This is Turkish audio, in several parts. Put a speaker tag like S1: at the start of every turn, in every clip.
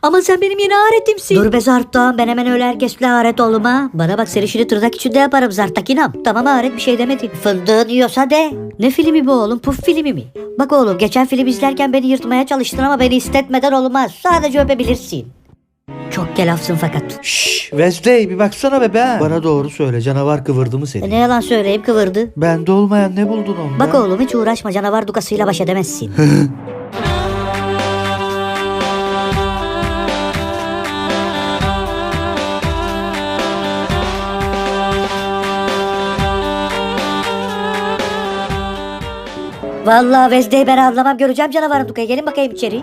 S1: Ama sen benim yeni aretimsin. Dur be Zart'tan, ben hemen öyle herkesle aret olma. Bana bak, seni şimdi tırnak içinde yaparım Zart'takinam. Tamam aret, bir şey demedin. Fındığın yiyorsa de. Ne filmi bu oğlum, Puf filmi mi? Bak oğlum, geçen film izlerken beni yırtmaya çalıştın ama beni istetmeden olmaz. Sadece öpebilirsin. Çok kelafsın fakat.
S2: Şşş Wesley bir baksana be. Bana doğru söyle, canavar kıvırdı mı seni?
S1: Ne yalan söyleyeyim, kıvırdı.
S2: Bende olmayan ne buldun onda?
S1: Bak oğlum, hiç uğraşma, canavar dukasıyla baş edemezsin. Vallahi Vezde'yi ben anlamam, göreceğim canavarın dukayı. Gelin bakayım içeri.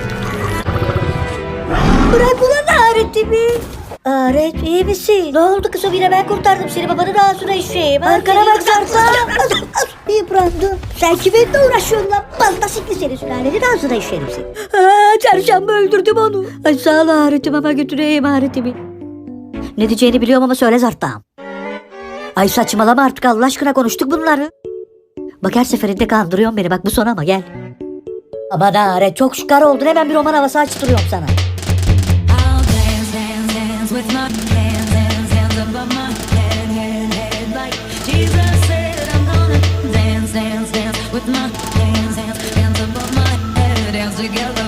S1: Bırak ulan aretimi. Aret, iyi misin? Ne oldu kızım, yine ben kurtardım seni, babanın ağzına işeyim. Arkana bak Zart'a. Yıprandım. Sen kiminle uğraşıyorsun lan? Balta sikli seni, sülalenin ağzına işerim seni. Çarşamba öldürdüm onu. Ay sağ ol aretim, ama götüreyim aretimi. Ne diyeceğini biliyorum ama söyle Zart'tan. Ay saçmalama artık Allah aşkına, konuştuk bunları. Bak her seferinde kandırıyorsun beni, bak bu son ama gel. Aman aret, çok şıkar oldun, hemen bir roman havası açtırıyorum sana.
S3: I'll dance, dance, dance with my hands above my head, like Jesus said I'm gonna dance, dance, dance with my hands above my head, dance together.